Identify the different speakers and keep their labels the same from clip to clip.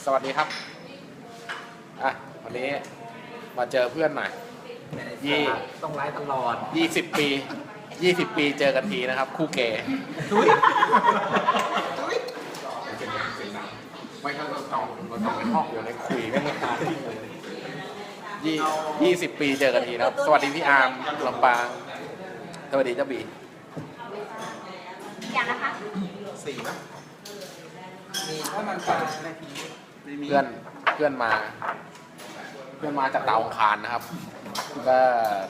Speaker 1: สวัสดีครับวันนี้มาเจอเพื่อนหน่อย
Speaker 2: ต้องไลฟ์ตลอด
Speaker 1: 20 ปีเจอกันทีนะครับคู่เกย์ไม่ใช่เราต้องเป็นห้องอยู่ในคุยไม่ตาย20 ปีเจอกันทีนะครับสวัสดีพี่อาร์มลำปางสวัสดีเจ้าบี
Speaker 3: อย่างนะคะ
Speaker 2: 4นะมีถ้ามันปลา
Speaker 1: เพื่อนมาจากดาวอังคารนะครับก็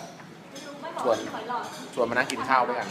Speaker 1: ชวนมานั่งกินข้าวด้วยกัน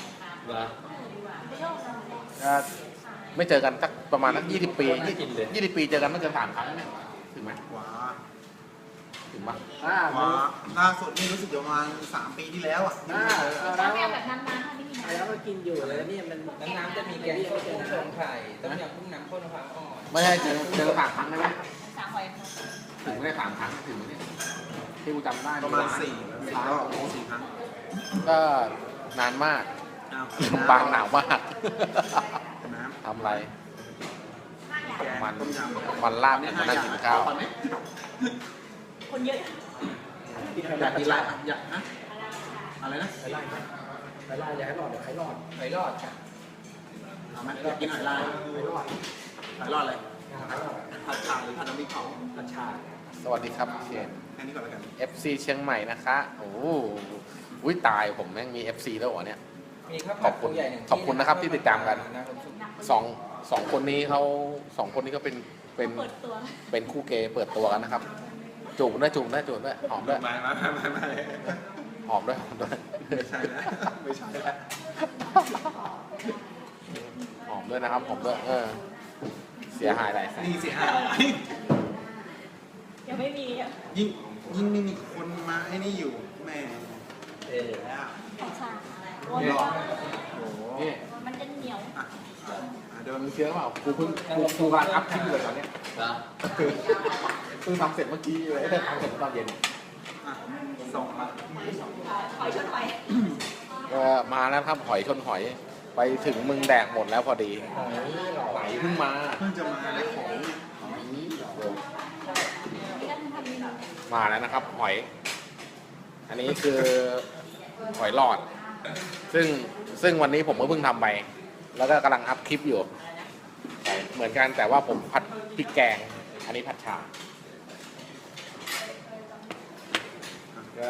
Speaker 1: ก็ไม่เจอกันสักประมาณสัก20 ปี20 ปีเจอกันไม่เกิน3 ครั้งเนี่ยถึงไหมถึงปะ
Speaker 2: ล่าสุดนี่รู้สึกประมาณ3 ปีที่แล้วอ่ะ
Speaker 3: แล้วแบบนานๆไม่มีน้ำ
Speaker 4: แล้วก็กินอยู่เลยนี่มันน้ำจะมีแกงส้มสงไข่ต้มยำกุ้งน้ำข้นมะพร้าวอ่อน
Speaker 1: ไม่ใช่เจอ3 ครั้งได้ไหม
Speaker 3: 3 หอย
Speaker 1: ถึงไม่ได้3 ครั้งถึงเนี่ยที่กูจำได้
Speaker 2: ประมาณ4 ครั้ง
Speaker 1: ก็นานมากบางหนาวมากทำอะไรมันลาบมานั่งกินข้าว
Speaker 3: คนเยอะ
Speaker 2: อยากกินอะไรอยากนะอะไรนะ
Speaker 4: ไข่ลายอยากให้หลอดไข่รอดค่ะ
Speaker 2: เอาไหมอยากกินไข่ลายไข่รอดอะไรผัดฉ่าหรือผัดน้ำพริกเผา
Speaker 4: ผัดฉ่า
Speaker 1: สวัสดีครับเชน
Speaker 2: แค่นี้ก่อนแล้วกัน
Speaker 1: FC เชียงใหม่นะคะโอ้ยตายผมแม่งมี FC แล้วเหรอเนี่ยขอบคุณนะครับที่ติดตามกันสองคนนี้เขาเป็นคู่เกย์เปิดตัวกันนะครับจูบด้วยหอมด้วยหอมด้วย
Speaker 2: ไม่ใช่แล้ว
Speaker 1: หอมด้วยนะครับหอมด้วยเสียหายอะไร
Speaker 2: นี่เสียหาย
Speaker 3: ยังไม่มี
Speaker 2: ยิ่งไม่มีคนมาไอ้นี่อยู่แม่
Speaker 3: ผัดฉ่า
Speaker 1: นี่
Speaker 3: มันจะเหนียว
Speaker 1: เดี๋ยวมึงเชื่อเปล่ากูการอัพคลิปเลยตอนนี้ทำเสร็จเมื่อกี้เลยทำเสร็จตอนเย็น
Speaker 2: ส่งมา
Speaker 3: หอยชนหอย
Speaker 1: มาแล้วครับหอยชนหอยไปถึงมึงแดกหมดแล้วพอดีไหลเพิ่ง
Speaker 2: จะมาเลยของ
Speaker 1: มาแล้วนะครับหอยอันนี้คือหอยหลอดซึ่งวันนี้ผมก็เพิ่งทำไปแล้วก็กำลังอัพคลิปอยู่เหมือนกันแต่ว่าผมผัดพริกแกงอันนี้ผัดฉ่าก็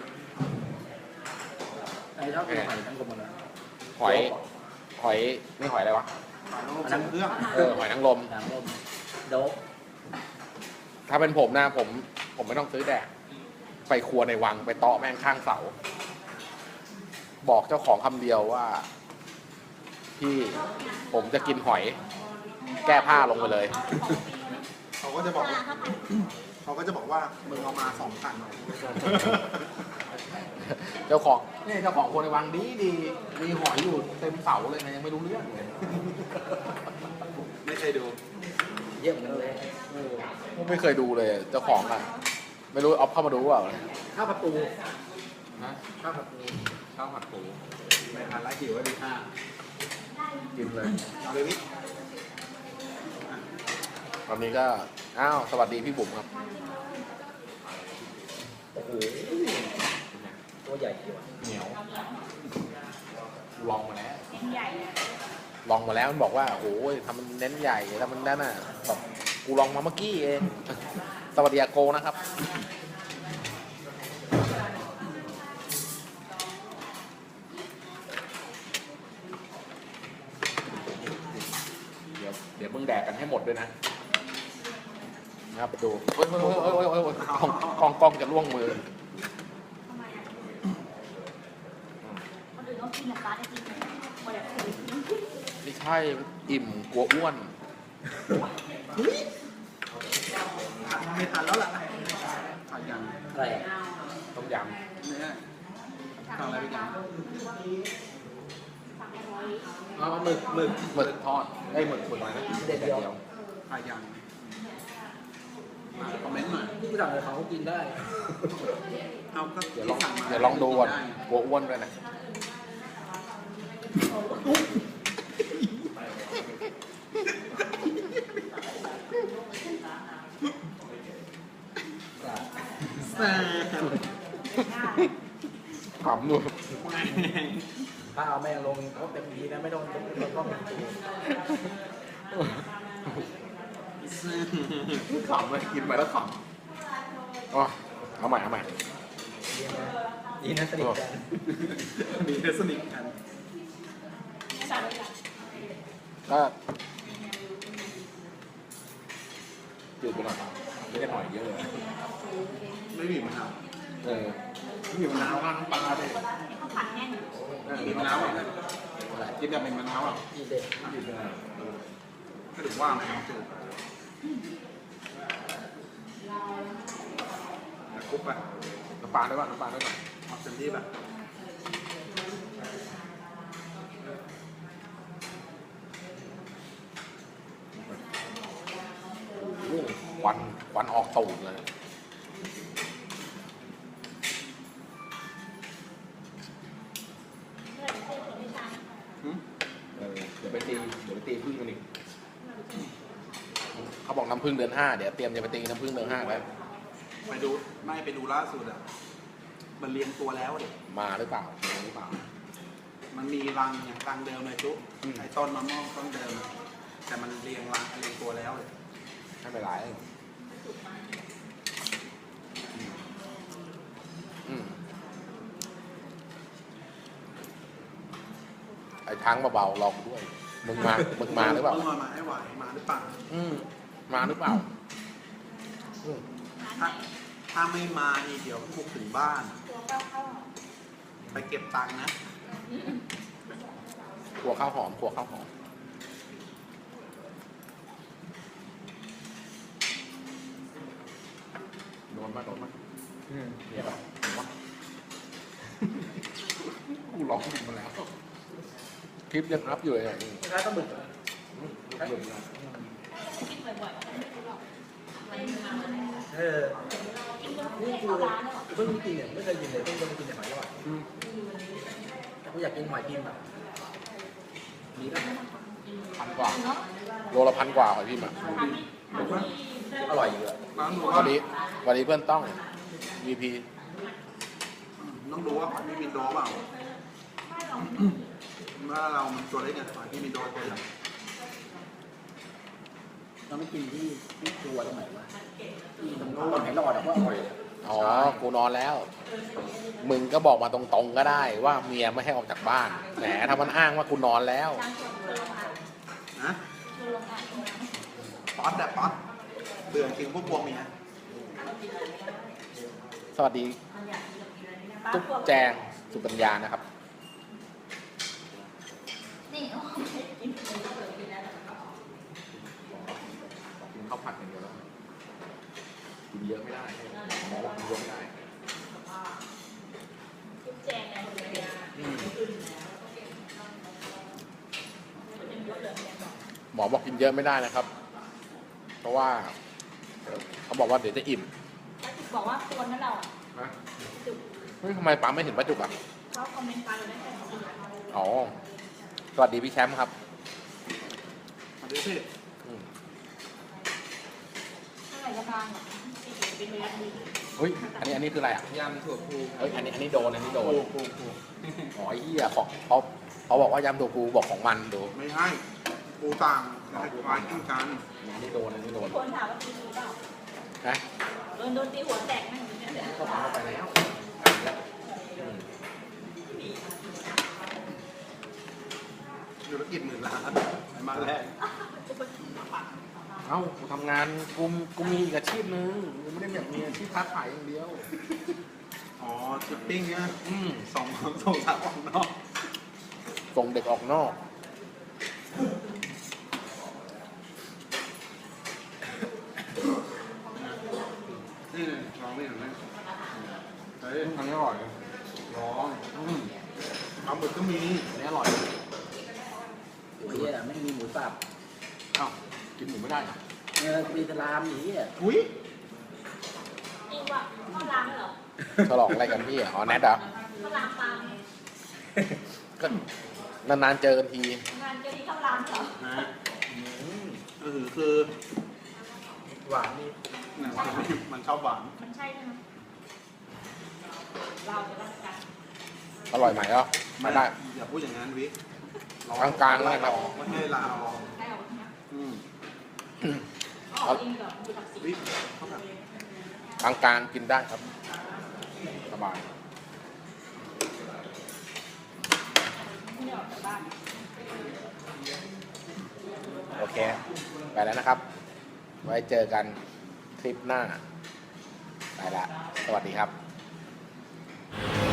Speaker 4: ชอบกินหอยทั้งกลมเลย
Speaker 1: หอยนี่หอยอะไรวะ
Speaker 2: น้ำเครื่อง
Speaker 1: หอยนางรม
Speaker 4: โดบ
Speaker 1: ถ้าเป็นผมนะผมไม่ต้องซื้อแดกไปครัวในวังไปเตาะแม่งข้างเสาบอกเจ้าของคำเดียวว่าพี่ผมจะกินหอยแก้ผ้าลงไปเลย
Speaker 2: เขาก็จะบอกว่ามึงเอามา2,000
Speaker 1: เจ้าของคนในวังดีมีหอยอยู่เต็มเสาเลยนะยังไม่รู้เรื่องเลย
Speaker 2: ไม่เคยดู
Speaker 4: เยี่ยมกันเลย
Speaker 1: ไม่เคยดูเลยเจ้าของอ่ะไม่รู้เอาเข้ามาดูว่า
Speaker 4: ข้าวผัดปู
Speaker 1: นะข้าวผัดปู
Speaker 2: ไม่ทานแล้วหิวก็ดี
Speaker 1: กินเลย
Speaker 2: เอาเลยพี่
Speaker 1: ตอนนี้ก็สวัสดีพี่บุ๋มครับ
Speaker 4: โอ้โหตัวใหญ่จริง
Speaker 1: เหนียวลองมาแล้วมันบอกว่าโอ้ยทำมันเน้นใหญ่ทำมันนั่นน่ะแบบกูลองมาเมื่อกี้เองสวัสดีอาโกนะครับเดี๋ยวมึงแดกกันให้หมดด้วยนะครับดูโอ้ยกล้องจะล่วงมือไม่ใช่อิ่มกลัวอ้วน
Speaker 2: ไม่ทันแล้วล่ะผัดยำ
Speaker 4: อะไร
Speaker 1: ต้มยำ
Speaker 2: เนี่ยทำอะไรไปกัน
Speaker 1: หมึกทอดหมึกอะไรนะ
Speaker 4: เด็ดเดียว
Speaker 2: ผัดยำคอมเมนต์หน่อย
Speaker 4: ผู้สั่งเขากินได้
Speaker 2: เอาก็
Speaker 1: เดี๋ยวลองดูก่อนกลัวอ้วนด้วยนะ
Speaker 2: แซ่บ
Speaker 1: ขำดู
Speaker 4: ถ้าเอาแม่ลงเขาเต็มทีนะไม่ต้องต้อง
Speaker 1: ขำเลยกินไปแล้วขำอ๋อเอาใหม่
Speaker 4: ดีนะสนิทกัน
Speaker 2: มีเทสนิคกัน
Speaker 3: สั่งเลยค่ะ
Speaker 1: ก็จืดไปหน่อยไม่ได้หน่อยเยอะเลย
Speaker 2: ไม่มีมะนาว
Speaker 1: ไม่มีมะนาวราดน้ำปลาเลย
Speaker 3: ข้าวผัดแห้ง
Speaker 2: มีมะนาวอ่ะกินแบบเป็นมะนาวอ่ะ
Speaker 4: ดีเด็ด
Speaker 2: ก็ถึงว่ามันจืดคุกไป
Speaker 1: น้ำปลาได้ป่ะน้ำปลาได้ป่ะ
Speaker 2: เอาเต็มที่แบบ
Speaker 1: ควันออกตูดเลย เดี๋ยวไปตีพึ่งกันอีกเขาบอกน้ำพึ่งเดือน 5เดี๋ยวเตรียมจะไปตีน้ำพึ่งเดือน 5แล้ว
Speaker 2: ไปดูล่าสุดอ่ะมันเลี้ยงตัวแล้วเด็ก
Speaker 1: มาหรือเปล่า
Speaker 2: มันมีรังอย่างรังเดิมเลยจุ๊ไอ้ต้นมะม่วงต้นเดิมอะแต่มันเลี้ยงรังเลี้ยงตัวแล้วเลย
Speaker 1: ไม่เป็นไรไอ้ทั้งเบาๆลองด้วยมึงมาหรือเปล่า
Speaker 2: มึงมาให้ไหวมาหรือเปล่า
Speaker 1: มาหรือเปล่า
Speaker 2: ถ้าไม่มานี่เดี๋ยวบุกถึงบ้าน
Speaker 3: ตัวเก้าเข้า
Speaker 2: ไปเก็บตังค์นะ
Speaker 1: ครัวข้าวหอมโดนมาเนี่ยป่ะกูร้องมาแล้วคลิปยังอัพอยู่เลยเนี่ย
Speaker 4: ถ้าต้องบึก
Speaker 3: กินบ่อยๆไม่รู้หรอกไม่มาแล้ว กินจน
Speaker 4: นี่
Speaker 3: ไม่
Speaker 4: คื
Speaker 3: เข้า
Speaker 4: อ
Speaker 3: ร้านแล้ว
Speaker 4: เพิ่งกินเนี่ยไม่เคยกินเลยเพิ่งจะมากินแต่หอยทอดแต่กูอยากกินหอยพิมพ์แบบมีป่ะ
Speaker 1: 1,000 กว่า
Speaker 3: เนาะ
Speaker 1: โลละ1,000 กว่าหอยพิมพ์อ่ะ
Speaker 3: ทำให้
Speaker 4: อร่อยอยู่อะ
Speaker 2: ต้องดู
Speaker 1: วั
Speaker 2: ว่าน
Speaker 1: นี้เพื่อนต้อง VP
Speaker 2: ต้องดูว่าหอยพี่มินโดเปล่าว่าเรามันตัวเล็กไงหอยพี่มินโดตัวใหญ่
Speaker 4: เราไม่กินที่ครัวตรงไหนวะที่ตรงนู้นไหนรอดอะว่าอร่อย
Speaker 1: อ๋อ กูนอนแล้ว มึงก็บอกมาตรงๆก็ได้ว่าเมียไม่ให้ออกจากบ้าน แหมทำมันอ้างว่ากูนอนแล้ว
Speaker 3: จานชวนลงอ่ะ
Speaker 2: นะ
Speaker 3: ชวนลงอ่ะ
Speaker 2: ป๊อตแบบป๊อตเบื่อจริงพวกพวงเมีย
Speaker 1: สวัสดีตุ๊กแจงสุปัญญานะครับ
Speaker 3: นี่โอ้ยกิน
Speaker 1: กินข้าวผัดอย่างเดียวแล้วกินเยอะไม่ได้หมอบอกกินเยอะไม่ได้
Speaker 3: ทุกแจงเลย
Speaker 1: หมอบอกกินเยอะไม่ได้นะครับ เพราะว่าเขาบอกว่าเดี๋ยวจะอิ่ม
Speaker 3: บอกว่าควรนั่นเราอ่ะ จุก
Speaker 1: เฮ้ยทำไมปั๊มไม่เห็นป้าจุกอ่ะ
Speaker 3: เขาคอมเมนต์ไปเราได้แค่2 ปี
Speaker 1: อ๋อ สวัสดีพี่แชมป์ครับ
Speaker 2: มาดูสิ
Speaker 3: เท่าไหร่ก็บางอ่ะเป็นเวลาดี
Speaker 1: เฮ้ย อันนี้คืออะไรอ่ะ
Speaker 4: ยำถั่วพู
Speaker 1: เฮ้ย อันนี้โดน อันนี้โดน
Speaker 2: กู
Speaker 1: อ๋อไอ้เหี้ยของเขาบอกว่ายำตัวกูบอกของมันดู
Speaker 2: ไม่ให้กูต่างคล้ายกินกัน
Speaker 1: อันนี้โดน อันนี้โดน
Speaker 3: คนถามว่าตีหรือเปล่า
Speaker 1: นะ
Speaker 3: โดนตีหัวแตกนั่งอยู่เนี่ย
Speaker 1: ก็ปั๊มเข้าไปแล้ว
Speaker 2: ธุรกิจ10,000 ล้านมาแรก
Speaker 1: เอ้ากูทำงานกูมีอีกอาชีพนึงกูไม่ได้แบบมีอาชีพค้าขายอย่างเดียว
Speaker 2: อ๋อชิปปิ้งเนี่ย ส่งสาวออกนอก
Speaker 1: ส่งเด็กออกนอก
Speaker 2: นี่ลองไม่เห็นไหมเฮ้ย
Speaker 1: อันนี้อร่อย
Speaker 2: ลองปลาหมึกก็มี
Speaker 1: อันนี้อร่อย
Speaker 4: โอ้ยอะไม่มีหมูสับ
Speaker 1: เอ้ากินหมูไม่ได้เหรอ
Speaker 4: เนี่ยมีสลามอย่างนี้อะ
Speaker 2: อุ้ย
Speaker 3: จริงว่ะข้าวรามเหรอ
Speaker 1: ฉลองอะไรกันพี่อ๋อแนทเหรอ
Speaker 3: ข้าวรามปลา
Speaker 1: ก็นานๆเจอกันที
Speaker 3: งานเจอที่ข้าวรามเหรอ
Speaker 2: นะคือ
Speaker 4: หวานดี
Speaker 2: เนี่ยมันชอบหวาน
Speaker 3: มันใช่ใช่ไหมเราจะต้องการ
Speaker 1: อร่อยไหมก็ไม่ได้
Speaker 2: อย่าพูดอย่างนั้นวิ
Speaker 1: กลางๆเลยครับ
Speaker 2: ไม่ให้ลาออก
Speaker 3: ได้ออกนะ
Speaker 2: อืม
Speaker 3: ออกเองก่อนดูตักสี
Speaker 2: วิเขาแบบ
Speaker 1: กลางๆกินได้ครับสบาย
Speaker 3: ไม่ได้ออกจากบ้าน
Speaker 1: โอเค ไปแล้วนะครับ ไว้เจอกันคลิปหน้า ไปละ สวัสดีครับ